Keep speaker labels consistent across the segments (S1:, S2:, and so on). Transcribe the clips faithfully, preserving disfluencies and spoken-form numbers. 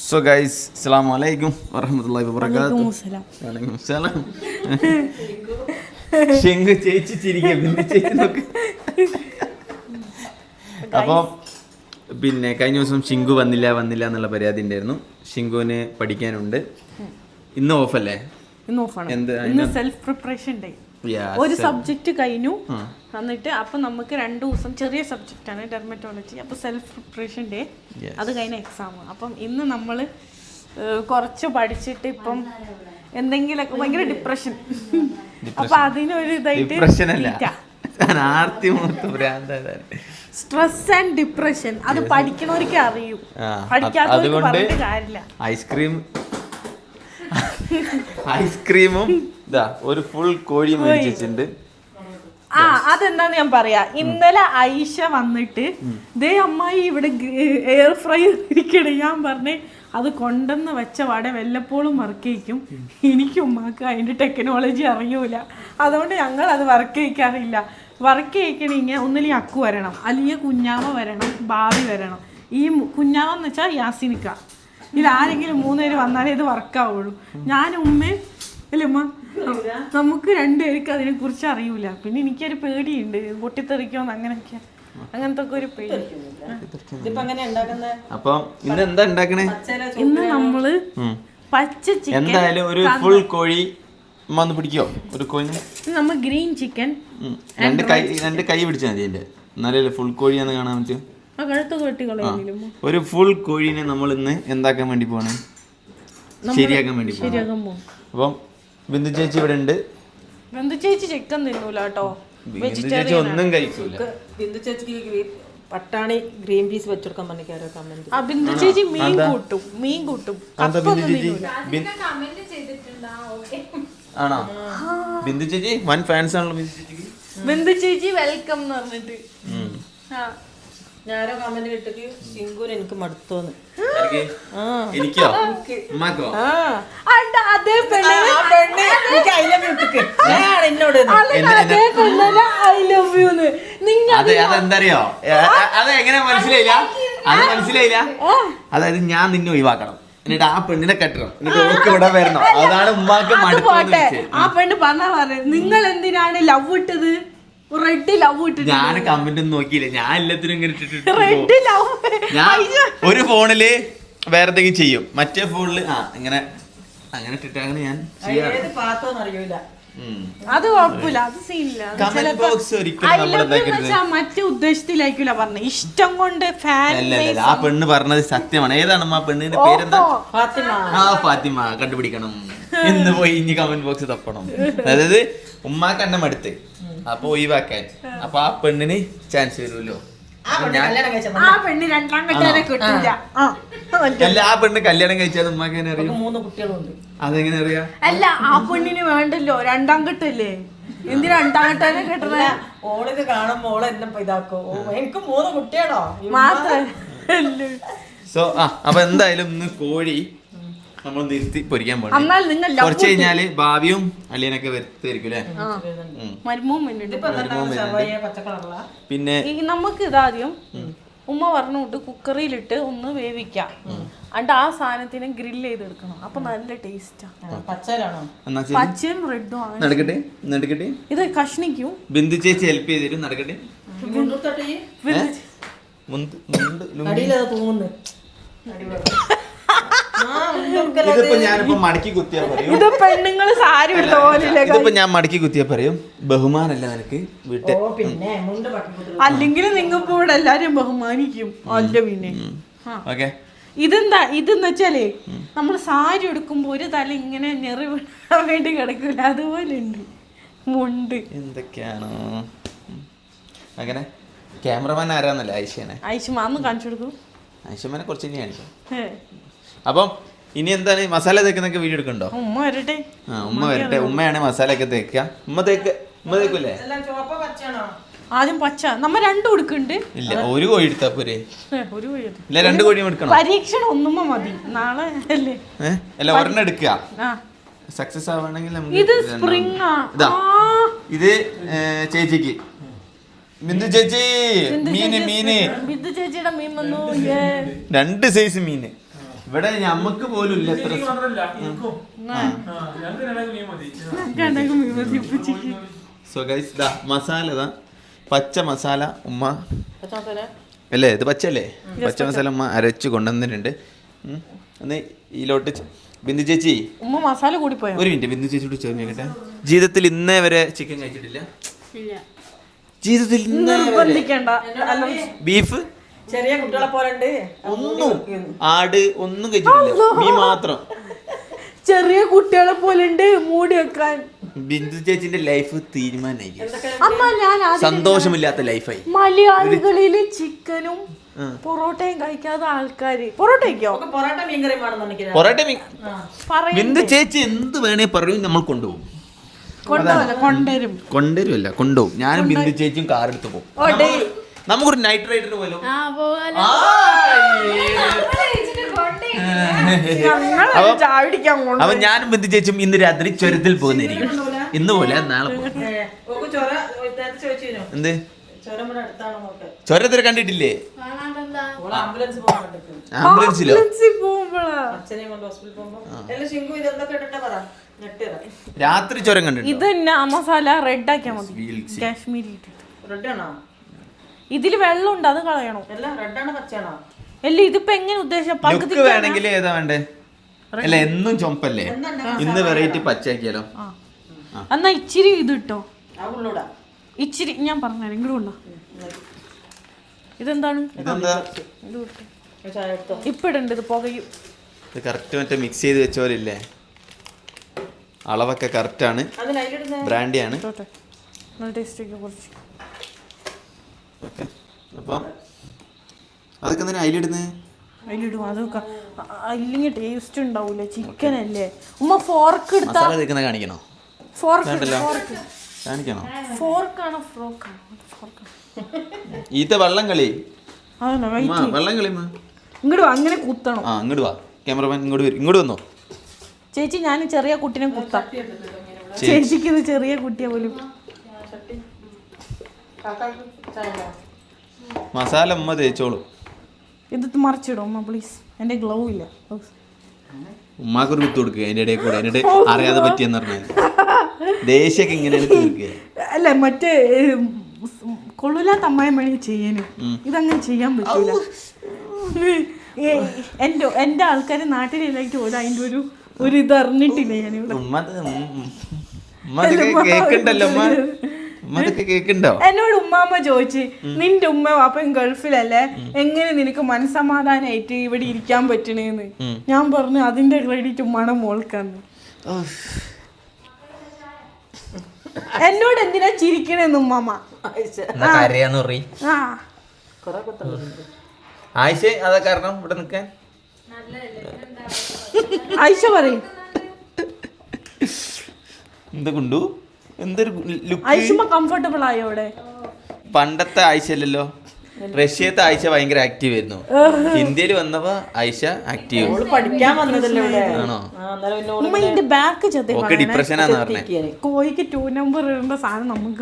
S1: So guys അസ്സലാമു അലൈക്കും വറഹ്മത്തുള്ളാഹി വബറകാതുഹു. വലൈക്കും സലാം. ശിങ്കു ചേച്ചി ചിരിക്കും. ചേച്ചി നോക്ക്. അപ്പോൾ പിന്നെ കഴിഞ്ഞ ദിവസം ശിങ്കു വന്നില്ല വന്നില്ല എന്നുള്ള പരാതി ഉണ്ടായിരുന്നു. ശിങ്കുവിന് പഠിക്കാനുണ്ട്. ഇന്ന് ഓഫല്ലേ?
S2: ഇന്ന് ഓഫാണ്. ഇന്ന് സെൽഫ് പ്രിപ്പറേഷൻ ഡേ. ഒരു സബ്ജക്റ്റ് കഴിഞ്ഞു എന്നിട്ട് അപ്പൊ നമുക്ക് രണ്ടു ദിവസം ചെറിയ സബ്ജക്റ്റ് ആണ് ഡെർമറ്റോളജി. അപ്പൊ സെൽഫ് പ്രിപ്പറേഷൻ ഡേ അത് കഴിഞ്ഞ എക്സാം. അപ്പം ഇന്ന് നമ്മള് കുറച്ച് പഠിച്ചിട്ട് ഇപ്പം എന്തെങ്കിലുമൊക്കെ ഭയങ്കര ഡിപ്രഷൻ. അപ്പൊ അതിനൊരു ഇതായിട്ട് സ്ട്രെസ് ആൻഡ് ഡിപ്രഷൻ അത് പഠിക്കണവർക്ക് അറിയൂ, പഠിക്കാത്തവർക്ക് പറഞ്ഞിട്ട് കാര്യമില്ല.
S1: ഐസ്ക്രീം ഐസ്ക്രീമും ഒരു ഫുൾ കോഴി മേടിച്ചിട്ടുണ്ട്.
S2: ആ അതെന്താന്ന് ഞാൻ പറയാ. ഇന്നലെ ഐഷ വന്നിട്ട് ദേ അമ്മായി ഇവിടെ എയർ ഫ്രൈ ഇരിക്കണേ. ഞാൻ പറഞ്ഞേ അത് കൊണ്ടെന്ന് വെച്ച വട വല്ലപ്പോഴും വർക്ക് ചെയ്യിക്കും. എനിക്ക് ഉമ്മാക്ക് അതിന്റെ ടെക്നോളജി അറിയൂല, അതുകൊണ്ട് ഞങ്ങൾ അത് വർക്ക് ചെയ്യിക്കാറില്ല. വർക്ക് ചെയ്യിക്കണെങ്കിൽ ഒന്നില്ലെങ്കിൽ അക്കു വരണം, അല്ലെങ്കിൽ കുഞ്ഞാമ വരണം, ഭാവി വരണം. ഈ കുഞ്ഞാമെന്ന് വെച്ചാൽ യാസിനിക്ക, ഇതിൽ ആരെങ്കിലും മൂന്നുപേര് വന്നാലേ ഇത് വർക്കാവുള്ളൂ. ഞാൻ ഉമ്മയും അല്ലേ ഉമ്മ, നമുക്ക് രണ്ടുപേർക്ക് അതിനെ കുറിച്ച് അറിയൂല. പിന്നെ എനിക്കൊരു പേടിയുണ്ട്, പൊട്ടിത്തെറിക്കോന്ന് അങ്ങനെയൊക്കെ, അങ്ങനത്തെ ഒക്കെ ഒരു പേടി. ഇന്ന് നമ്മള് പച്ച ചിക്കൻ,
S1: എന്തായാലും ഒരു ഫുൾ കോഴി വന്ന് പിടിക്കോ? ഒരു കോഴി
S2: നമ്മൾ ഗ്രീൻ ചിക്കൻ
S1: രണ്ട് കൈ രണ്ട് കൈ പിടിച്ചാൽ മതി എന്റെ, എന്നാലേ ഫുൾ കോഴിയാന്ന് കാണാൻ പറ്റും. ഒരു ഫുൾ കോഴീനെ നമ്മൾ ഇന്ന് എന്താക്കാൻ വേണ്ടി പോവാണ്? ശരിയാക്കാൻ വേണ്ടി പോവാണ്. അപ്പം ബിന്ദു ചേച്ചി ഇവിടെ ഉണ്ട്.
S2: ബിന്ദു ചേച്ചി ചിക്കൻ തിന്നൂല കേട്ടോ,
S1: ബിന്ദു ചേച്ചി ഒന്നും കഴിക്കൂല.
S3: ബിന്ദു ചേച്ചിക്ക് പട്ടാണി ഗ്രീൻ പീസ് വെച്ചെടുക്കാൻ പറഞ്ഞിക്കാരോ കമന്റ്.
S2: ആ ബിന്ദു ചേച്ചി മീൻ കൂട്ടും, മീൻ കൂട്ടും.
S1: ആണോ? ബിന്ദു ചേച്ചി വൻ ഫാൻസ് ആണല്ലോ ബിന്ദു ചേച്ചിക്ക്.
S2: ബിന്ദു ചേച്ചി വെൽക്കം എന്ന് പറഞ്ഞിട്ട്
S3: ഞാനോ കമന്റ് കിട്ടിട്ട് ശിങ്കുന് എനിക്ക് മടുത്തോന്ന്.
S1: എനിക്കോ ഉമ്മാക്കോ?
S2: അതേ പെണ്ണ്
S3: എന്നോട്
S1: അതെ, അതെന്തറിയോ? അത് എങ്ങനെ മനസ്സിലായില്ല? അത് മനസ്സിലായില്ല. അതായത് ഞാൻ നിന്നെ ഒഴിവാക്കണം, എന്നിട്ട് ആ പെണ്ണിനെ കെട്ടണം, എന്നിട്ട് ഓർക്ക് ഇവിടെ വരണം. അതാണ് ഉമ്മാക്ക് മടുത്തോന്ന്.
S2: ആ പെണ്ണ് പറഞ്ഞാ പറഞ്ഞു, നിങ്ങൾ എന്തിനാണ് ലവ് ഇട്ടത്? റെഡ് ലവ് ഇട്ടിട്ട്
S1: ഞാൻ കമന്റ് ഒന്നും നോക്കിയില്ല. ഞാൻ എല്ലാത്തിനും ഇങ്ങനെ ഇട്ടിട്ട് ഞാൻ ഒരു ഫോണില് വേറെ എന്തെങ്കിലും ചെയ്യും, മറ്റേ ഫോണില് ആ ഇങ്ങനെ അങ്ങനെ ഇട്ടിട്ട് അങ്ങനെ ഞാൻ
S3: അറിയൂല.
S2: അത് കുഴപ്പമില്ല, അത് സീനില്ല. മറ്റേ ഉദ്ദേശത്തിലായിരിക്കില്ല പറഞ്ഞ, ഇഷ്ടം കൊണ്ട് ഫാൻ.
S1: ആ പെണ്ണ് പറഞ്ഞത് സത്യമാണ്. ഏതാണ് ആ പെണ്ണിന്റെ പേരെന്താ? ആ ഫാത്തിമ. കണ്ടുപിടിക്കണം എന്ന് പോയി ഇനി കമന്റ് ബോക്സ് തപ്പണം. അതായത് ഉമ്മാക്ക് എന്നെ മടുത്ത്, അപ്പൊ ഒഴിവാക്കാൻ. അപ്പൊ ആ പെണ്ണിന് ചാൻസ് വരുമല്ലോ.
S2: ആ പെണ്ണ് രണ്ടാം കെട്ടാനെ കിട്ടില്ല.
S1: അല്ല, ആ പെണ്ണ് കല്യാണം കഴിച്ചാൽ ഉമ്മാക്ക് എങ്ങനെ അറിയാം?
S3: മൂന്ന് കുട്ടികളുണ്ട്.
S1: അതെങ്ങനെ അറിയാം?
S2: അല്ല, ആ പെണ്ണിന് വേണ്ടല്ലോ രണ്ടാം കെട്ടല്ലേ, എന്തിനാ രണ്ടാം കെട്ടാനെ കെട്ടണ?
S3: ഓളിത് കാണുമ്പോ ഓളെ എന്നെ ഇതാക്കോ, എനിക്ക് മൂന്ന് കുട്ടിയാണോ
S2: മാത്രല്ല.
S1: സോ ആ അപ്പൊ എന്തായാലും ഇന്ന് കോഴി നമ്മൾ നിർത്തി പൊരിക്കാൻ പോകണം. കുറച്ച് കഴിഞ്ഞാല് ഭാവിയും അളിയനൊക്കെ വരുത്തായിരിക്കും അല്ലേ? പിന്നെ
S2: നമുക്ക് ഇതാദ്യം ഉമ്മ പറഞ്ഞുകൊണ്ട് കുക്കറിയിലിട്ട് ഒന്ന് വേവിക്കാം, അണ്ട് ആ സാധനത്തിന് ഗ്രില്ല് ചെയ്തെടുക്കണം. അപ്പൊ നല്ല ടേസ്റ്റാ. പച്ചയും റെഡും ആണ്.
S1: നടക്കട്ടെ നടക്കട്ടെ
S2: ഇത് കഷ്ണിക്കും.
S1: ബിന്ദു ചേച്ചി ഹെൽപ്പ് ചെയ്തിരും. നടക്കട്ടെ. ഇതിപ്പോ ഞാനിപ്പോ മടക്കി കുത്തിയാ പറയും,
S2: ഇത് പെണ്ണുങ്ങള് സാരി
S1: ഇതിപ്പോ ഞാൻ മടക്കി കുത്തിയാ പറയും ബഹുമാനല്ല നിനക്ക് വീട്ടിൽ.
S2: അല്ലെങ്കിൽ നിങ്ങപ്പോ ഇവിടെ എല്ലാരും ബഹുമാനിക്കും. അല്ല പിന്നെ
S1: ഓക്കെ.
S2: ഇതെന്താ ഇതെന്ന് വെച്ചാലേ നമ്മൾ സാരി എടുക്കുമ്പോ ഒരു തല ഇങ്ങനെ ഞെറി വിടാൻ വേണ്ടി കിടക്കൂല, അതുപോലെ ഉണ്ട് മുണ്ട്.
S1: എന്തൊക്കെയാണോ അങ്ങനെ? ക്യാമറമാൻ ആരാന്നല്ലേ? ഐഷനെ.
S2: ഐഷമാന്ന് കാണിച്ചു കൊടുക്കും.
S1: ഐഷമാനെ കുറച്ച് ഇനി കാണിക്കും. അപ്പം ഇനി എന്താണ് മസാല തേക്കുന്നൊക്കെ വീഡിയോ എടുക്കണ്ടോ?
S2: ഉമ്മ വരട്ടെ.
S1: ആ ഉമ്മ വരട്ടെ. ഉമ്മയാണ് മസാല ഒക്കെ തേക്കുക. ഉമ്മ തേക്ക് ഉമ്മ തേക്കൂലേ?
S2: ആദ്യം പച്ച നമ്മ രണ്ടും എടുക്കുന്നുണ്ട്.
S1: ഇല്ല, ഒരു കോഴി എടുത്താ പോരെ?
S2: ഒരു കോഴി
S1: ഇല്ല, രണ്ട് കോഴിയും എടുക്കണം.
S2: പരീക്ഷണം ഒന്നുമ്മ മതി, നാളെ അല്ലേ?
S1: അല്ല, ഒരെണ്ണം എടുക്കുക. സക്സസ് ആവണമെങ്കിൽ
S2: ഇത് സ്പ്രിംഗ്.
S1: ഇതാ ഇത് ചേച്ചിക്ക്. ബിന്ദു ചേച്ചി മീന് മീന്
S2: ബിന്ദു ചേച്ചിയുടെ മീൻ വന്നു.
S1: രണ്ട് സൈസ് മീന്. ഇവിടെ ഞമ്മക്ക് പോലും ഇല്ല എത്ര സോ ഗൈസ് ദാ മസാല ഇതാ പച്ച മസാല ഉമ്മ അല്ലേ ഇത് പച്ചല്ലേ പച്ച മസാല ഉമ്മ അരച്ച് കൊണ്ടുവന്നിട്ടുണ്ട്. ഒന്ന് ഇതിലോട്ട് ബിന്ദു ചേച്ചി
S2: ഉമ്മ മസാല കൂടി പോയോ?
S1: ഒരു മിനിറ്റ് ബിന്ദു ചേച്ചിയോട് ചേർന്ന് കേട്ടെ. ജീവിതത്തിൽ ഇന്നേ വരെ ചിക്കൻ കഴിച്ചിട്ടില്ല. ജീവിതത്തിൽ ഇന്നേ ബീഫ്
S3: ചെറിയ കുട്ടികളെ പോലെ
S1: ഒന്നും ആട് ഒന്നും കഴിച്ചിട്ടില്ല. മീൻ മാത്രം.
S2: ചെറിയ കുട്ടികളെ പോലെ ഉണ്ട് മൂടി വെക്കാൻ.
S1: ബിന്ദു ചേച്ചിന്റെ ലൈഫ് തീരുമാനമായി.
S2: അമ്മ ഞാൻ
S1: സന്തോഷമില്ലാത്ത ലൈഫായി.
S2: മലയാളികളില് ചിക്കനും പൊറോട്ടയും കഴിക്കാത്ത ആൾക്കാര് പൊറോട്ട കഴിക്കോ?
S3: പൊറോട്ട മീൻകറി വേണമെന്ന്
S1: പൊറോട്ട മീൻ ബിന്ദു ചേച്ചി എന്ത് വേണേ പറയും നമ്മൾ കൊണ്ടുപോകും.
S2: കൊണ്ടുവരും
S1: കൊണ്ടുവരുമല്ല കൊണ്ടുപോകും. ഞാനും ബിന്ദു ചേച്ചിയും കാർ എടുത്ത് പോകും. നമുക്കൊരു നൈറ്റ് റൈഡിന് പോലോ. അവൻ ഞാനും ബിന്ദു ചേച്ചിയും ഇന്ന് രാത്രി ചുരത്തിൽ പോകുന്നതായിരിക്കും. ഇന്ന് പോലെ നാളെ എന്ത് ചുരത്തിൽ കണ്ടിട്ടില്ലേ? ആംബുലൻസിലോ? രാത്രി ചുരം കണ്ടിട്ട്
S2: ഇത് തന്നെ മസാല റെഡ് ആക്കിയാ മതി. കാശ്മീരി ഇതില് വെള്ളം ഉണ്ട്, അത് കളയണോ? അല്ല ഇതിപ്പോ എങ്ങനെ ഉദ്ദേശം
S1: ലുക്ക് വേണമെങ്കിൽ ഏതാ വേണ്ടേ? അല്ല എന്നും ചുമപ്പല്ലേ, ഇന്ന് വെറൈറ്റി പച്ചയാക്കിയാലോ?
S2: എന്നാ ഇച്ചിരി ഇത് ഇട്ടോ, ഇച്ചിരി ഞാൻ പറഞ്ഞുതരാം. ഇങ്ങോട്ട് ഇതെന്താണ് ഇപ്പൊ ഇടണ്ട്? ഇത് പുകയും.
S1: ഇത് കറക്റ്റ് മറ്റേ മിക്സ് ചെയ്ത് വെച്ച പോലെ ഇല്ലേ? അളവൊക്കെ കറക്റ്റ് ആണ്, ബ്രാൻഡിയാണ്. അപ്പം അതൊക്കെ എന്തിനാ അതിലിടുന്നത്?
S2: അതിലിടും. അതൊക്കെ ഇല്ലെങ്കിൽ ടേസ്റ്റ് ഉണ്ടാവൂല. ചിക്കൻ അല്ലേ ഉമ്മ? ഫോർക്ക് എടുത്താ
S1: കാണിക്കണോ?
S2: ഫോർക്ക്
S1: കാണിക്കണോ?
S2: ഫോർക്കാണോ ഫ്രോക്കാണോ?
S1: ഈത്ത വള്ളം കളി വള്ളം കളി
S2: ഇങ്ങോട്ട് വാ, അങ്ങനെ കുത്തണം.
S1: ആ ഇങ്ങോട്ട് വാ, ക്യാമറമാൻ ഇങ്ങോട്ട് വരും. ഇങ്ങോട്ട് വന്നോ
S2: ചേച്ചി. ഞാൻ ചെറിയ കുട്ടിനെ കുത്താം. ചേച്ചിക്ക് ഇത് ചെറിയ കുട്ടിയെ പോലും.
S1: മസാല ഉമ്മ തേച്ചോളൂ.
S2: ഇത് മറിച്ചിടും ഉമ്മ പ്ലീസ്. എന്റെ ഗ്ലൗ ഇല്ല.
S1: ഉമ്മാക്കൊരു കുത്തു കൊടുക്കുക അതിന്റെ ഇടയിൽ കൂടെ. എന്നിട്ട് അറിയാതെ പറ്റിയെന്ന് പറഞ്ഞാൽ ദേഷ്യൊക്കെ ഇങ്ങനെയാണ് തീർക്കുക.
S2: അല്ല മറ്റേ കൊള്ളൂലാത്ത അമ്മായി മണി ചെയ്യാനും ഇതങ്ങനെ ചെയ്യാൻ പറ്റൂല. എന്റെ എന്റെ ആൾക്കാര് നാട്ടിലേക്ക് പോലും അതിന്റെ ഒരു ഒരു ഇത് അറിഞ്ഞിട്ടില്ല. ഞാനിവിടെ എന്നോട് ഉമ്മാമ്മ ചോദിച്ച് നിന്റെ ഉമ്മ അപ്പം ഗൾഫിലല്ലേ, എങ്ങനെ നിനക്ക് മനസ്സമാധാനായിട്ട് ഇവിടെ ഇരിക്കാൻ പറ്റണേന്ന്. ഞാൻ പറഞ്ഞു അതിന്റെ ക്രെഡിറ്റ് ഉമ്മാടെ മോൾക്കാന്ന്. എന്നോട് എന്തിനാ ചിരിക്കണേന്ന് ഉമ്മാമ്മ.
S1: ആയിഷ അതാ കാരണം ഇവിടെ നിൽക്കാൻ.
S2: ആയിഷ പറയും
S1: എന്താ കൊണ്ടു എന്തൊരു
S2: ആയിഷ കംഫർട്ടബിൾ ആയോ ഇവിടെ?
S1: പണ്ടത്തെ ആയിഷ അല്ലല്ലോ. റഷ്യത്തെ ആയിഷ ഭയങ്കര ആക്റ്റീവ് ആയിരുന്നു. ഇന്ത്യയിൽ വന്നപ്പോ ആയിഷ ആക്റ്റീവ് ആണോ? ഓക്കെ ഡിപ്രഷനാന്ന് പറഞ്ഞേ.
S2: കോഴിക്ക് ടൂ നമ്പർ ഇടേണ്ട സാധനം നമുക്ക്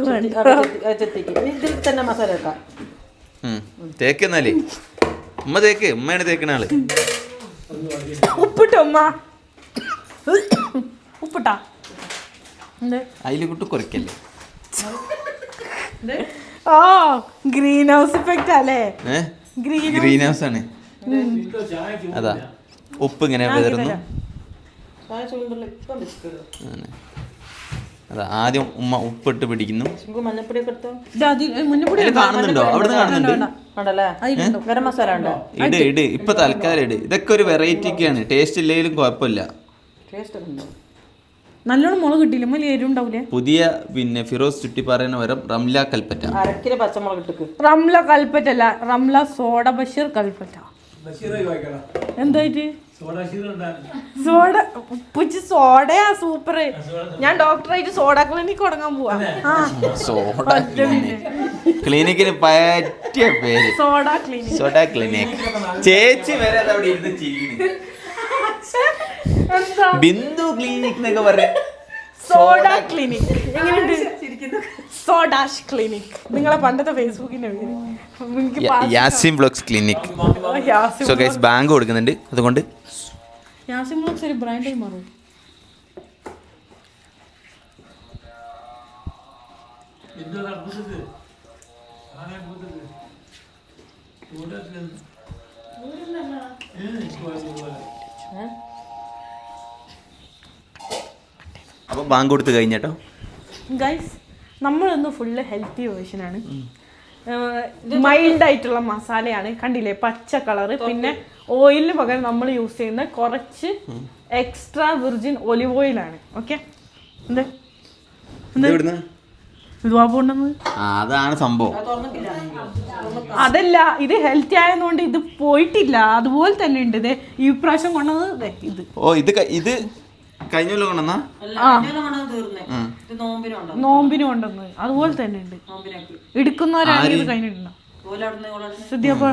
S1: തേക്കെന്നാലേ ഉമ്മ തേക്ക്. ഉമ്മയാണ് തേക്കണ ആള്.
S2: ഉപ്പിട്ടോ ഉമ്മ? ഉപ്പിട്ടാ
S1: അതില് കുട്ടി കുറയ്ക്കല്ലേ?
S2: ഓ ഗ്രീൻ ഹൗസ് ഇഫക്റ്റ് അല്ലേ?
S1: ഗ്രീൻ ഹൗസ് ആണ്. അതാ ഉപ്പ് ഇങ്ങനെ വിതറുന്നു. അതാ ആദ്യം ഉമ്മ ഉപ്പിട്ട് പിടിക്കുന്നു. കാണുന്നുണ്ടോ? അവിടെ കാണുന്നുണ്ട്. ഇട് ഇട് ഇപ്പൊ തൽക്കാലം ഇട്. ഇതൊക്കെ ഒരു വെറൈറ്റിക്കാണ്. ടേസ്റ്റ് ഇല്ലെങ്കിലും കുഴപ്പമില്ല.
S2: നല്ലോണം മുളക് കിട്ടിയില്ല. എരുണ്ടാവൂലേ?
S1: പുതിയ പിന്നെ ഫിറോസ് ചുട്ടിപ്പാറേന് പകരം റംല കൽപ്പറ്റ.
S2: റംല കൽപ്പറ്റ അല്ല, റംല സോഡ ബഷീർ കൽപ്പറ്റ. എന്തായിട്ട് സോഡ ഉപ്പിച്ച് സോഡയാ സൂപ്പർ. ഞാൻ ഡോക്ടറായിട്ട് സോഡ ക്ലിനിക് തുടങ്ങാൻ പോവാ.
S1: സോഡ ക്ലിനിക്കിന് പറ്റിയ പേര്
S2: സോഡ ക്ലിനിക്.
S1: Soda clinic. ചേച്ചി വരെ അവിടെ ഇരുന്ന് ചെയ്യുന്നു. ബിന്ദു ക്ലിനിക് എന്നൊക്കെ പറയാ.
S2: സോഡ ക്ലിനിക് എങ്ങനെയുണ്ട്? സോഡാഷ് ക്ലിനിക് നിങ്ങളെ പണ്ടത്തെ ഫേസ്ബുക്കിന്റെ പേര് എനിക്ക്
S1: Yasim blogs clinic. So guys ബാങ്ക് കൊടുക്കുന്നുണ്ട്, അതുകൊണ്ട്
S2: യാസിം ബ്ലോഗ്സ് ഒരു ബ്രാൻഡായി മാറും.
S1: അപ്പോൾ ബാങ്ക് കൊടുത്ത് കഴിഞ്ഞട്ടോ
S2: ഗൈസ്, നമ്മളിന്ന് ഫുള്ള് ഹെൽത്തി വേർഷനാണ്. മൈൽഡ് ആയിട്ടുള്ള മസാലയാണ്, കണ്ടില്ലേ പച്ച കളറ്. പിന്നെ ഓയിലിന് പകരം നമ്മൾ യൂസ് ചെയ്യുന്ന കുറച്ച് എക്സ്ട്രാ വിർജിൻ ഒലിവ് ഓയിലാണ്. ഓക്കെ, എന്ത്
S1: അതാണ് സംഭവം.
S2: അതല്ല, ഇത് ഹെൽത്തി ആയതുകൊണ്ട് ഇത് പോയിട്ടില്ല, അതുപോലെ തന്നെ ഉണ്ട്. ഇത് ഈ പ്രാവശ്യം കൊണ്ടുവന്നത് ഇത്.
S1: ഓ ഇത് ഇത് കഴിഞ്ഞ കൊല്ലം കൊണ്ടുവന്നാ
S2: നോമ്പിന് കൊണ്ടുവന്നത് അതുപോലെ തന്നെ ഉണ്ട്. എടുക്കുന്നവരാണ് ഇത് കഴിഞ്ഞിട്ടുണ്ടോ ശ്രദ്ധിയപ്പോ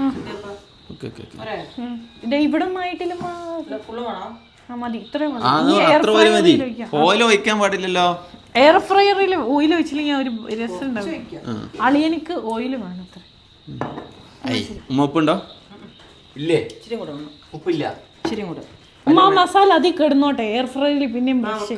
S2: ഇവിടെ ആയിട്ടില്ല മതി, ഇത്രയും
S1: ഓയിൽ ഒഴിക്കാൻ പാടില്ലല്ലോ.
S2: എയർ ഫ്രയറിൽ ഓയിൽ വെച്ചില്ലെങ്കിൽ ഒരു രസം ഉണ്ടാവും. അളിയനിക്ക് ഓയിൽ വേണം. അത്ര
S1: ഉപ്പുണ്ടോ? ഇല്ലേ, ഉപ്പില്ല.
S2: ഉമ്മ മസാല അതിൽ കിടന്നോട്ടെ, എയർ ഫ്രയറിൽ പിന്നെയും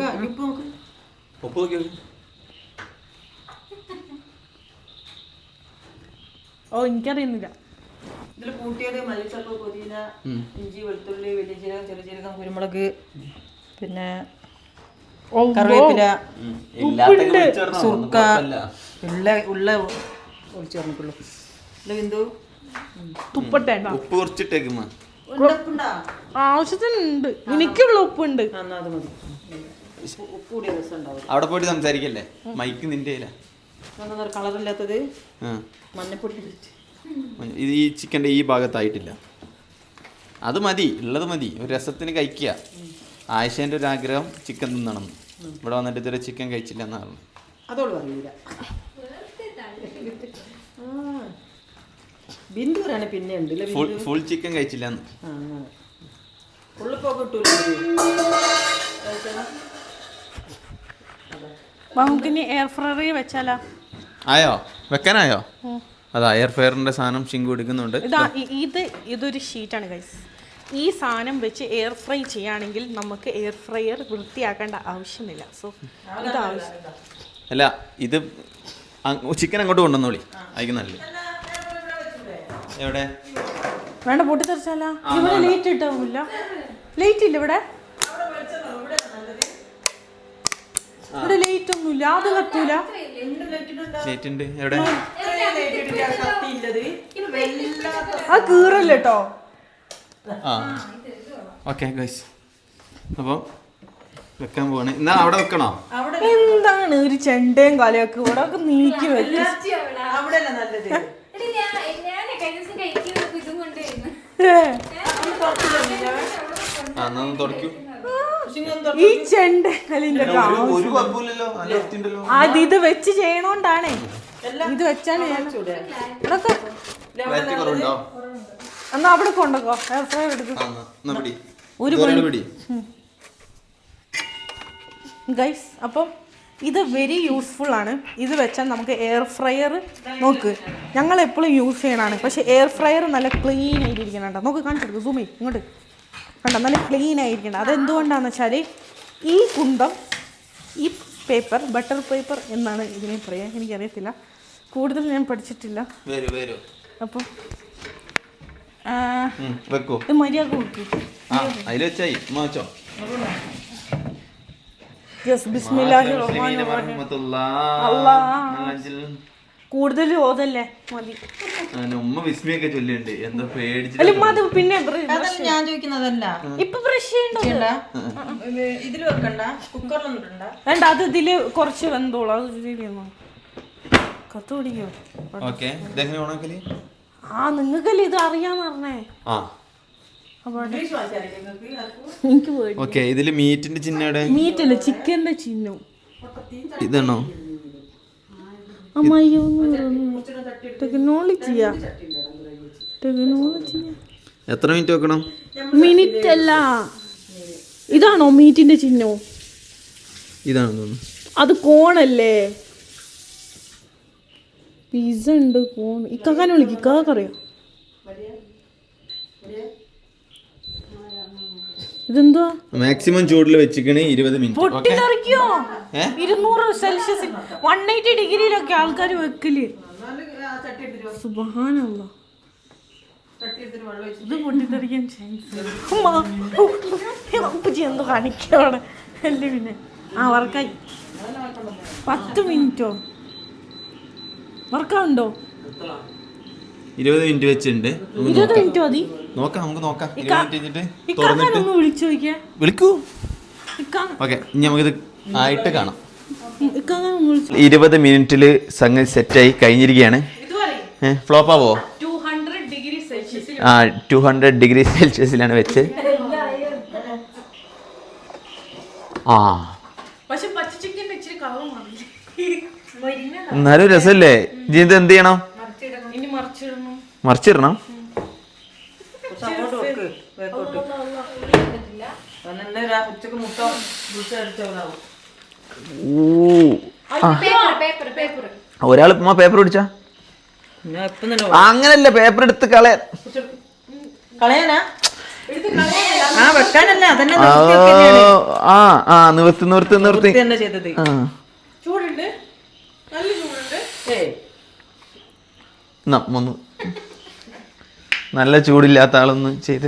S2: ഓ എനിക്കറിയുന്നില്ല.
S3: ഇതിൽ കൂട്ടിയത് മല്ലിച്ചപ്പ്, പുതിന, ഇഞ്ചി, വെളുത്തുള്ളി, വലിയ ജീരകം, ചെറിയ ജീരകം, കുരുമുളക്, പിന്നെ കറിവേപ്പില, സുർക്ക, ഉള്ള ഉള്ള ഒഴിച്ചു പറഞ്ഞിട്ടുള്ളൂ. ബിന്ദു
S2: തുപ്പട്ടെ,
S1: ഉപ്പ് കുറച്ചിട്ടേക്കുമ്മ.
S2: ആവശ്യത്തിനുണ്ട്, എനിക്കുള്ള ഉപ്പുണ്ട്.
S3: അത് മതി. ഉപ്പ് കൂടിയ രസം ഉണ്ടാവും.
S1: അവിടെ പോയിട്ട് സംസാരിക്കല്ലേ, മൈക്ക് നിന്റെ
S3: കളറില്ലാത്തത് മഞ്ഞപ്പൊടി.
S1: ഇത് ഈ ചിക്കൻ്റെ ഈ ഭാഗത്തായിട്ടില്ല. അത് മതി, ഉള്ളത് മതി. ഒരു രസത്തിന് കഴിക്കുക. ആയിഷേൻ്റെ ഒരു ആഗ്രഹം ചിക്കൻ തിന്നണം. ഇവിടെ വന്നിട്ട് ഇതുവരെ ചിക്കൻ കഴിച്ചില്ല എന്നാണ്.
S3: അതോട് പറയൂല. ബിന്ദു പറയാണ് പിന്നെ ഉണ്ട്
S1: ഫുൾ ചിക്കൻ കഴിച്ചില്ല.
S2: നമുക്കിനി എയർ ഫ്രയറിൽ വെച്ചാലോ?
S1: ആയോ, വെക്കാനായോ? അതാ എയർ ഫ്രയറിന്റെ സാധനം ഷിങ്കു എടുക്കുന്നുണ്ട്.
S2: ഇതാ ഇത് ഇതൊരു ഷീറ്റാണ് ഗൈസ്. ഈ സാധനം വെച്ച് എയർ ഫ്രൈ ചെയ്യുകയാണെങ്കിൽ നമുക്ക് എയർ ഫ്രയർ വൃത്തിയാക്കേണ്ട ആവശ്യമില്ല. സോ ഇത് ആവശ്യം
S1: അല്ല, ഇത് ചിക്കൻ അങ്ങോട്ട് കൊണ്ടുവന്നോളി, അയക്ക് നല്ലത്. എവിടെ
S2: വേണ്ട, പൊട്ടിത്തെറിച്ചാലാ. ഇവിടെ ലേറ്റ് ഇട്ടില്ല, ലേറ്റ് ഇല്ല ഇവിടെ. ഇവിടെ ലേറ്റ് ഒന്നുമില്ല, അത് കത്തൂല.
S1: ലേറ്റ് ഉണ്ട് എവിടെ?
S2: ആ കീറല്ല കേട്ടോ.
S1: ആ ഓക്കെ ഗൈസ്, അപ്പോൾ വെക്കാൻ പോവാണ്. എന്നാ അവിടെ വെക്കണോ?
S2: എന്താണ് ഒരു ചെണ്ടയും കലയൊക്കെ ഇവിടെ ഒക്കെ നീക്കി വെക്കും. ഈ ചെണ്ട കലിന്റെ അത് ഇത് വെച്ച് ചെയ്യണോണ്ടാണേ. ഇത് വെച്ചാണ് എന്നാ അവിടെ കൊണ്ടോ എയർ ഫ്രയർ എടുക്കും. ഒരു ഗൈസ്, അപ്പം ഇത് വെരി യൂസ്ഫുൾ ആണ്. ഇത് വെച്ചാൽ നമുക്ക് എയർ ഫ്രയർ നോക്ക്, ഞങ്ങൾ എപ്പോഴും യൂസ് ചെയ്യണതാണ്. പക്ഷെ എയർ ഫ്രയർ നല്ല ക്ലീൻ ആയിട്ടിരിക്കണം കേട്ടോ. നോക്ക് കാണിച്ചെടുക്കും, സൂം ചെയ്യും ഇങ്ങോട്ട് കണ്ടോ, നല്ല ക്ലീൻ ആയിരിക്കണം. അതെന്തുകൊണ്ടാണെന്ന് വെച്ചാൽ ഈ കുന്തം, ഈ പേപ്പർ ബട്ടർ പേപ്പർ എന്നാണ് ഇതിനെ പറയാ, എനിക്കറിയത്തില്ല, കൂടുതൽ ഞാൻ പഠിച്ചിട്ടില്ല. അപ്പോൾ ഇത് മര്യാദ കൊടുക്കും. കൂടുതൽ ഓതല്ലേ മതി. പിന്നെ
S3: ഞാൻ ചോദിക്കുന്നതല്ല,
S2: ഇപ്പൊ ബ്രഷ് ചെയ്യണ്ട,
S3: ഇതിൽ വെക്കണ്ട, കുക്കറിലൊന്നും
S2: വേണ്ട. അത് ഇതില് കുറച്ച് വെന്തോളൂ, അത് ശരിയാണോ? കത്ത് പിടിക്കോ? ആ നിങ്ങൾക്കല്ലേ ഇത് അറിയാന്ന് പറഞ്ഞേ.
S1: ഇതില് മീറ്റിന്റെ ചിഹ്നം,
S2: മീറ്റല്ല ചിക്കന്റെ ചിഹ്നം.
S1: ഇതാണോ?
S2: ടെക്നോളജിയാ, ടെക്നോളജി.
S1: എത്ര മിനിറ്റ് വെക്കണം?
S2: മിനിറ്റ് അല്ല, ഇതാണോ മീറ്റിന്റെ ചിഹ്നം?
S1: ഇതാണോ?
S2: അത് കോണല്ലേ. പിസ്സ ഉണ്ട് പോണ് ഇക്കാക്കാനെ വിളിക്കും ഇക്കാക്ക് അറിയാം. ഇതെന്തുവാ
S1: മാക്സിമം ചൂടിൽ വെച്ചിക്കണേ ഇരുപത് മിനിറ്റ്.
S2: പൊട്ടിത്തെറിക്കോ? ഇരുന്നൂറ് സെൽഷ്യസ് വൺ എയ്റ്റി ഡിഗ്രിയിലൊക്കെ ആൾക്കാർ വെക്കല്. സുബ്ഹാനല്ലാഹ്. ഇത് പൊട്ടിത്തെറിക്കാൻ ചാൻസ്. എന്തോ കാണിക്കാണ് അല്ലേ പിന്നെ. ആ വർക്കായി. പത്ത് മിനിറ്റോ വർക്കാവുണ്ടോ?
S1: ഇരുപത് മിനിറ്റ് വെച്ചിട്ടുണ്ട്.
S2: ഇരുപത് മിനിറ്റ് മതി.
S1: നോക്കാം നമുക്ക് നോക്കാം.
S2: വിളിച്ചു നോക്കിയാ
S1: വിളിക്കൂ. ഓക്കെ ഇനി നമുക്കിത് ആയിട്ട് കാണാം. ഇരുപത് മിനിറ്റില് സംഗതി സെറ്റായി കഴിഞ്ഞിരിക്കുകയാണ്. ഫ്ലോപ്പ് ആവോ? ആ ടു ഹൺഡ്രഡ് ഡിഗ്രി സെൽഷ്യസിലാണ് വെച്ച്. ആ എന്നാലും രസമല്ലേ? ഇത് എന്ത് ചെയ്യണം? മറിച്ചിടണം. ഒരാൾ ഉമ്മ പേപ്പർ പിടിച്ചാ അങ്ങനല്ല, പേപ്പർ എടുത്ത് കളയാൻ
S3: കളയാനാ
S1: ആ ആ നിവർത്തി നിവർത്തി നിവർത്തി ഒന്ന് നല്ല ചൂടില്ലാത്ത ആളൊന്ന് ചെയ്ത്.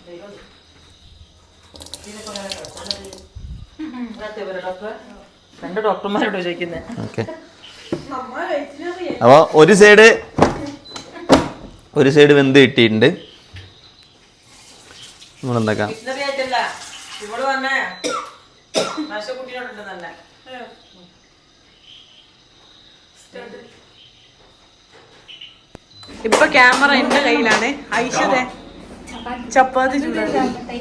S3: ഡോക്ടർമാരോട് ചോദിക്കുന്നത്.
S1: ഓക്കെ അപ്പൊ ഒരു സൈഡ് ഒരു സൈഡ് വെന്ത് കിട്ടിയിട്ടുണ്ട്. നമ്മളെന്താക്കാം
S2: ഇപ്പൊ ക്യാമറ എന്റെ കയ്യിലാണ്. ഐഷതെ ചപ്പാത്തി ചൂടാണ്.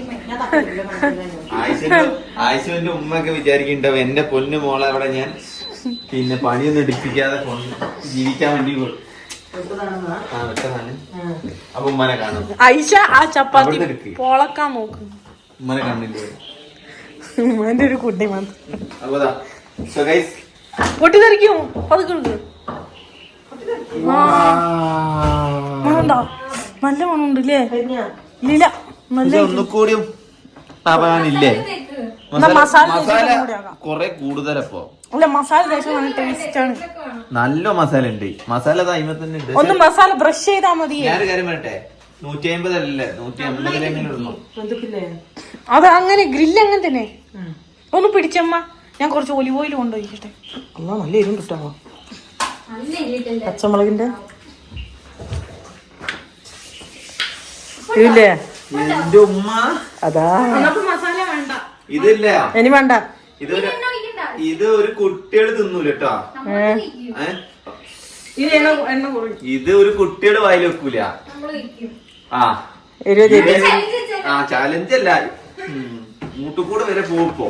S1: ആയിഷുവിന്റെ ഉമ്മയൊക്കെ വിചാരിക്കുന്നുണ്ടാവും എന്റെ പൊന്നു മോളെ അവിടെ ഞാൻ പിന്നെ പണിയൊന്നും എടുപ്പിക്കാതെ ജീവിക്കാൻ വേണ്ടി അപ്പൊ ഉമ്മനെ കാണും.
S2: ഐഷ ആ ചപ്പാത്തി പൊളക്കാൻ നോക്കും.
S1: ഉമ്മനെ കാണില്ലേ?
S2: ഉമ്മന്റെ ഒരു കുട്ടി മാത്രം പൊട്ടിത്തെറിക്കും. പതുക്കെ മണുണ്ടോ? നല്ല മണമുണ്ട് ഇല്ലേ? ഇല്ല നല്ല
S1: ഒന്നുകൂടിയും ആവാനില്ലേ? മസാല കൊറേ കൂടുതലപ്പോ.
S2: അല്ല മസാല നല്ല ടേസ്റ്റ് ആണ്.
S1: നല്ല മസാല ഉണ്ട്. മസാല തന്നെ ഉണ്ട്.
S2: ഒന്ന് മസാല ബ്രഷ് ചെയ്താ മതി.
S1: ഞാനൊരു കാര്യം പറയട്ടെ, നൂറ്റി അമ്പതല്ലേ നൂറ്റി അമ്പതിലെങ്ങനെ ഇടണം?
S2: അത് അങ്ങനെ ഗ്രില്ല് അങ്ങനെ തന്നെ. ഒന്ന് പിടിച്ചമ്മ, ഞാൻ കുറച്ച് ഒലിവ് ഓയിൽ കൊണ്ടുപോയിട്ടെ.
S3: നല്ല എരിവും കിട്ടാമോ? പച്ചമുളകിന്റെ ഇല്ലേ?
S1: എന്റെ ഉമ്മ
S3: അതാ
S2: മസാല വേണ്ട.
S1: ഇതില്ല
S3: ഇനി വേണ്ട.
S1: ഇതൊരു ഇത് ഒരു കുട്ടികള് തിന്നൂല കേട്ടോ. ഇത് ഒരു കുട്ടികള് വായിൽ വെക്കൂല. ആ ആ ചാലഞ്ച് അല്ല, മൂട്ടുകൂടെ വരെ പോപ്പോ.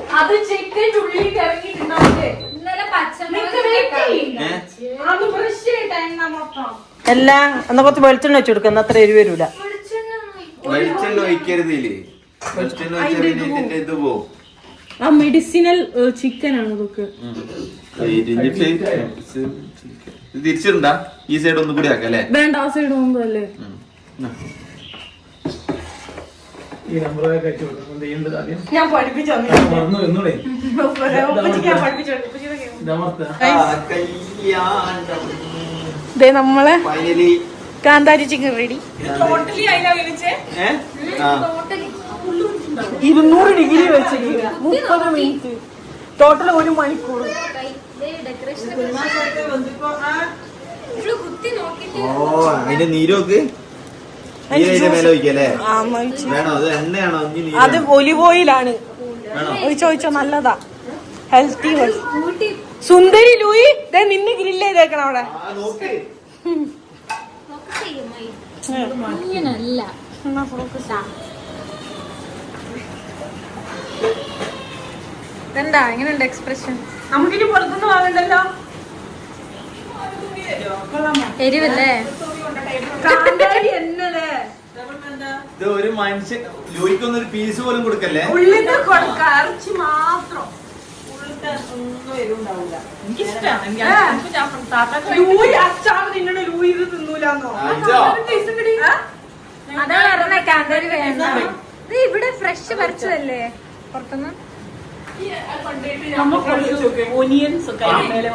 S3: അല്ല എന്നാ കുറച്ച് വെളിച്ചെണ്ണ വെച്ച് കൊടുക്കുക. അത്ര എരിവ് വരൂല.
S1: വെളിച്ചെണ്ണ ഒഴിക്കരുതില്ലേ? വെളിച്ചെണ്ണ ഒഴിച്ചാൽ ഇതിന്റെ ഇത് പോവും.
S2: ആ മെഡിസിനൽ ചിക്കൻ ആണ് ഇതൊക്കെ.
S1: തിരിച്ചിട്ടുണ്ടാ ഈ സൈഡ് ഒന്നും കൂടി ആക്കാം അല്ലേ?
S2: വേണ്ട, ആ സൈഡ് ഒന്നുമല്ലേ. ഞാൻ പഠിപ്പിച്ചു നമ്മളെ കാന്താരി ചിക്കൻ റെഡി. ഇരുന്നൂറ് ഡിഗ്രി വെച്ചിട്ട് മുപ്പത് മിനിറ്റ് ടോട്ടൽ ഒരു മണിക്കൂർ.
S1: ഓ അതിന്റെ നീരോക്ക്
S2: അത് ഒലിവ് ഓയിലാണ്. ചോദിച്ചോ നല്ലതാ, ഹെൽത്തി. സുന്ദരി ലൂയി നിന്ന് ഗ്രില്ല് ചെയ്തേക്കണം അവിടെ. എന്താ എങ്ങനെയുണ്ട് എക്സ്പ്രഷൻ? നമുക്കിനി പുറത്തുനിന്ന് വാങ്ങണ്ടല്ലോ. എരിവല്ലേ?
S1: ഇത് ഒരു മനുഷ്യൻ ലൂയിക്കൊന്നും ഒരു പീസ് പോലും കൊടുക്കല്ലേ?
S2: ഉള്ളിൽ കൊടുക്ക, ഇറച്ചി മാത്രം.
S3: അങ്ങനത്തെ ഒന്നും എരിവുണ്ടാവില്ല.
S2: ലൂയി അച്ചാർ നിന്നോട് ലൂയി ഇത് തിന്നൂലെന്നോ?
S4: അതാണ് പറഞ്ഞ കാന്താരി വേണ്ട. ഇത് ഇവിടെ ഫ്രഷ് പറിച്ചതല്ലേ പുറത്തുനിന്ന്.
S3: ഓനിയൻസ് ഒക്കെ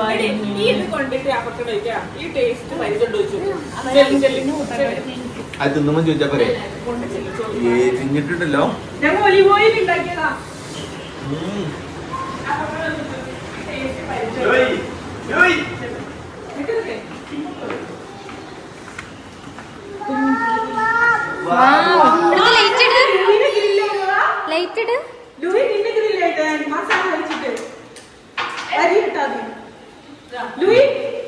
S1: അത് തിന്നുമ്പോ ചോദിച്ചാ പോരെ തിന്നിട്ടുണ്ടല്ലോ.
S2: ഞങ്ങൾ ഒലിവ് ഓയിൽ ഉണ്ടാക്കിയതാ.
S4: ലൈറ്റ് ഇട്.
S2: ലൂയി നിന്റെ ഗ്രില്ലായിട്ട് മസാല വെച്ചിട്ട് അരി ഇട്ടാ മതി. ലൂയി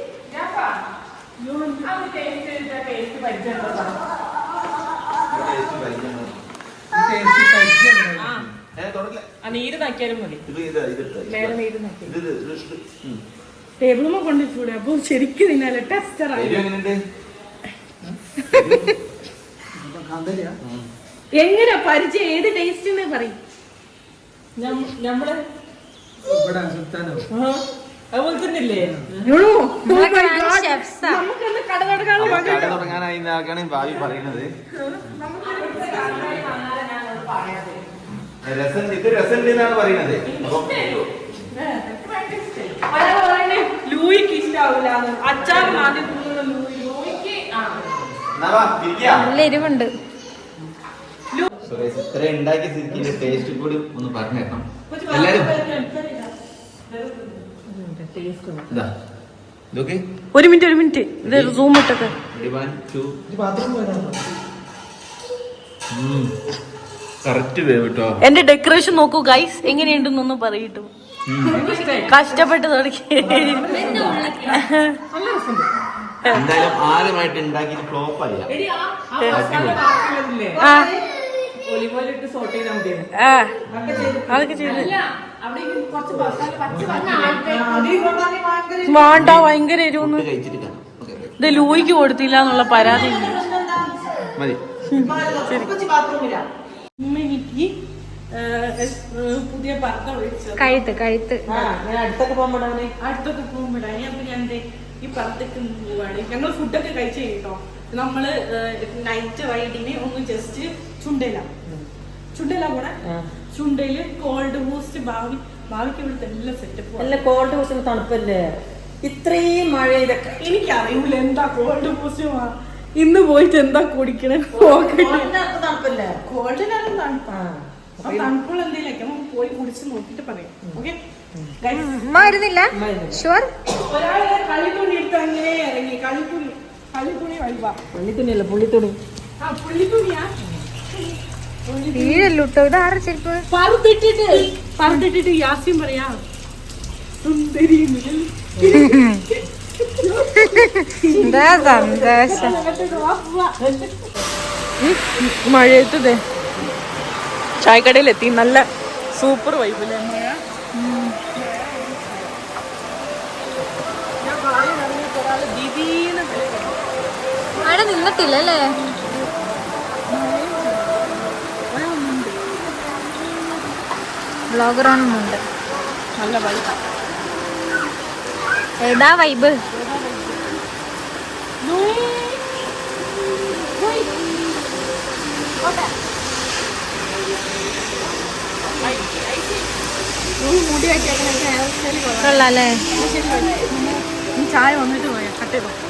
S3: നീര് നാക്കിയാലും മതി.
S2: ടേബിളുമ്മ കൊണ്ടിട്ടൂടെ? അപ്പൊ ശരിക്കും തിന്നാലേ ടെസ്റ്ററായി. എങ്ങനെ പരിചയം ഏത് ടേസ്റ്റ് പറയും?
S3: നമ്മള് അതുപോലെ തന്നെയല്ലേ?
S2: നമുക്കൊന്ന് കട തുടങ്ങാനുള്ള
S1: കട തുടങ്ങാനായി ഭാവി പറയുന്നത്. രസം ഇത് രസം എന്നാണ് പറയുന്നത്.
S2: ലൂയിക്ക് ഇഷ്ടാവൂല. അച്ചാർ ആദ്യം ലൂയിക്ക്
S4: നല്ല എരിവുണ്ട്.
S1: ഇത്ര ഉണ്ടാക്കിയ സ്ഥിതിക്ക് ടേസ്റ്റ് കൂടി ഒന്ന് പറഞ്ഞേക്കണം എല്ലാരും.
S2: ഒരു മിനിറ്റ് ഒരു മിനിറ്റ് ഇത് സൂം ഇട്ടൊക്കെ.
S1: കറക്റ്റ് വേവ് കേട്ടോ.
S2: എന്റെ ഡെക്കറേഷൻ നോക്കൂ ഗൈസ്, എങ്ങനെയുണ്ടെന്നൊന്ന് പറയട്ടു. കഷ്ടപ്പെട്ട് തുടങ്ങി.
S1: എന്തായാലും ആദ്യമായിട്ട് ഉണ്ടാക്കി ഫ്ലോപ്പ് ആയില്ല.
S2: അതൊക്കെ ചെയ്ത് വേണ്ട ഭയങ്കര എരിവൊന്നും. ഇത് ലൂയിക്ക് കൊടുത്തില്ല എന്നുള്ള പരാതി
S1: മതി.
S2: പുതിയ പർദ്ദ വിളിച്ചു
S4: കഴുത്ത് കഴുത്ത്
S3: അടുത്തൊക്കെ പോകുമ്പോഴാണ്
S2: അടുത്തൊക്കെ പോകുമ്പോഴാണ്. അപ്പൊ ഞാൻ ഈ പർദ്ദക്ക് പോവാണ്. ഞങ്ങൾ ഫുഡൊക്കെ കഴിച്ചു കഴിഞ്ഞോ. നമ്മള് നൈറ്റ് റൈഡിന് ഒന്ന് ജസ്റ്റ് ചുണ്ടല ചുണ്ടല പോണെ. ചുണ്ടയില് കോൾഡ് ബൂസ്റ്റ് ഭാവി ഭാവിക്ക് ഇവിടുത്തെ എല്ലാ സെറ്റപ്പ്.
S3: അല്ല കോൾഡ് ബൂസ്റ്റ് തണുപ്പല്ലേ? ഇത്രയും മഴ ഇതൊക്കെ
S2: എനിക്കറിയൂല എന്താ കോൾഡ് ബൂസ്റ്റ്. ഇന്ന് പോയിട്ട് എന്താ കുടിക്കണേ?
S3: തണുപ്പല്ലേ?
S2: കോൾഡിനാലും തണുപ്പാ. തണുപ്പുള്ള എന്തെങ്കിലും നമുക്ക് പോയി കുടിച്ച് നോക്കിട്ട് പറയാം. ഓക്കെ
S4: മരുന്നില്ല ഷുവർ.
S2: ഒരാളെ കളിത്തുണി എടുത്ത് അങ്ങനെ ഇറങ്ങി. കളിത്തുണി കളിത്തുണി വഴിവാ.
S3: പുള്ളിത്തുണിയല്ല പുള്ളിത്തുണി.
S2: ആ പുള്ളിത്തുണിയാ.
S4: വീഴല്ലോ ഇത് ആറ് ചെരുപ്പ്.
S2: പറത്തിട്ടിട്ട് പറത്തിട്ടിട്ട് യാസ്യം പറയാ സുന്ദരി.
S4: എന്താ സന്തോഷം.
S2: മഴയത്തതേ ചായക്കടയിലെത്തി. നല്ല സൂപ്പർ വൈബില്ലേ മഴ.
S4: മഴ നിന്നിട്ടില്ലല്ലേ? ബ്ലോഗറോണുണ്ട്.
S2: നല്ല വൈബ്.
S4: ഏതാ വൈബ്?
S2: മുടി വെച്ചേക്കണ
S4: കൊള്ളാല്ലേ?
S2: ചായ വന്നിട്ട് പോയാ കട്ട് ചെയ്തോ.